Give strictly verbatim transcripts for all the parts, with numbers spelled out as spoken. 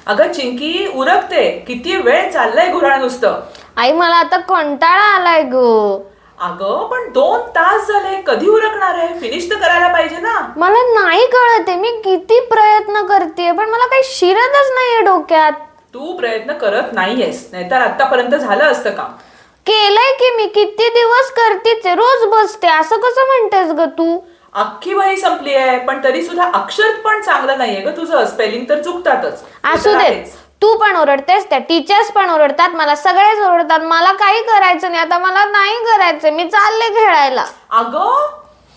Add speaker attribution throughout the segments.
Speaker 1: अगं चिंकी उरकते, किती वेळ चाललंय घुराळ नुसतं.
Speaker 2: आई मला आता कंटाळा आलाय ग.
Speaker 1: अगं पण दोन तास झाले, कधी उरकणार आहे? फिनिश तर करायला पाहिजे ना.
Speaker 2: मला नाही कळत आहे, मी किती प्रयत्न करते पण मला काही शिरतच नाहीये डोक्यात.
Speaker 1: तू प्रयत्न करत नाहीयेस, नाहीतर आतापर्यंत झालं असतं का?
Speaker 2: केलंय की मी, किती दिवस करतेच आहे, रोज बसते. असं कसं म्हणतेस ग तू?
Speaker 1: अख्खी वही संपली आहे, पण तरी सुद्धा अक्षर पण चांगलं नाहीये ग तुझं. स्पेलिंग तर चुकतातच. ते
Speaker 2: असू
Speaker 1: तर
Speaker 2: देत,
Speaker 1: आहेच.
Speaker 2: तू पण ओरडतेस, त्या टीचर्स पण ओरडतात, मला सगळेच ओरडतात. मला काही करायचं नाही आता, मला नाही करायचं, मी चालले खेळायला.
Speaker 1: अगं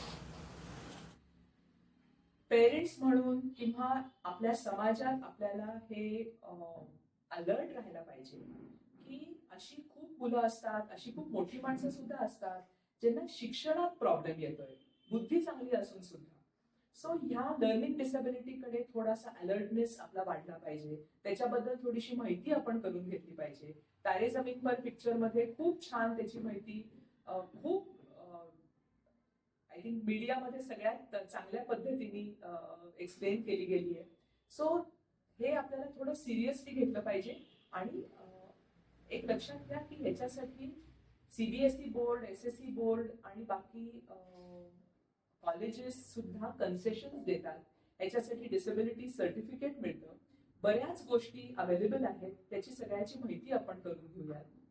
Speaker 1: पेरेंट्स म्हणून किंवा आपल्या समाजात आपल्याला हे अलर्ट राहायला पाहिजे की अशी खूप मुलं असतात, अशी खूप मोठी माणसं सुद्धा असतात ज्यांना शिक्षणात प्रॉब्लेम येतोय, बुद्धी चांगली असून सुद्धा. सो ह्या लर्निंग डिसेबिलिटीकडे थोडासा अलर्टनेस आपला वाढला पाहिजे, त्याच्याबद्दल थोडीशी माहिती आपण करून घेतली पाहिजे. तारे जमीन पर पिक्चर मध्ये खूप छान त्याची माहिती खूप आय थिंक मीडियामध्ये सगळ्यात चांगल्या पद्धतीने एक्सप्लेन केली गेली आहे. सो हे आपल्याला थोडं सिरियसली घेतलं पाहिजे. आणि एक लक्षात घ्या की ह्याच्यासाठी CBSE board, S S C board आणि बाकी कॉलेजेस सुद्धा कन्सेशन देतात. ह्याच्यासाठी डिसेबिलिटी सर्टिफिकेट मिळतं, बऱ्याच गोष्टी अवेलेबल आहेत, त्याची सगळ्याची माहिती आपण करून घेऊयात.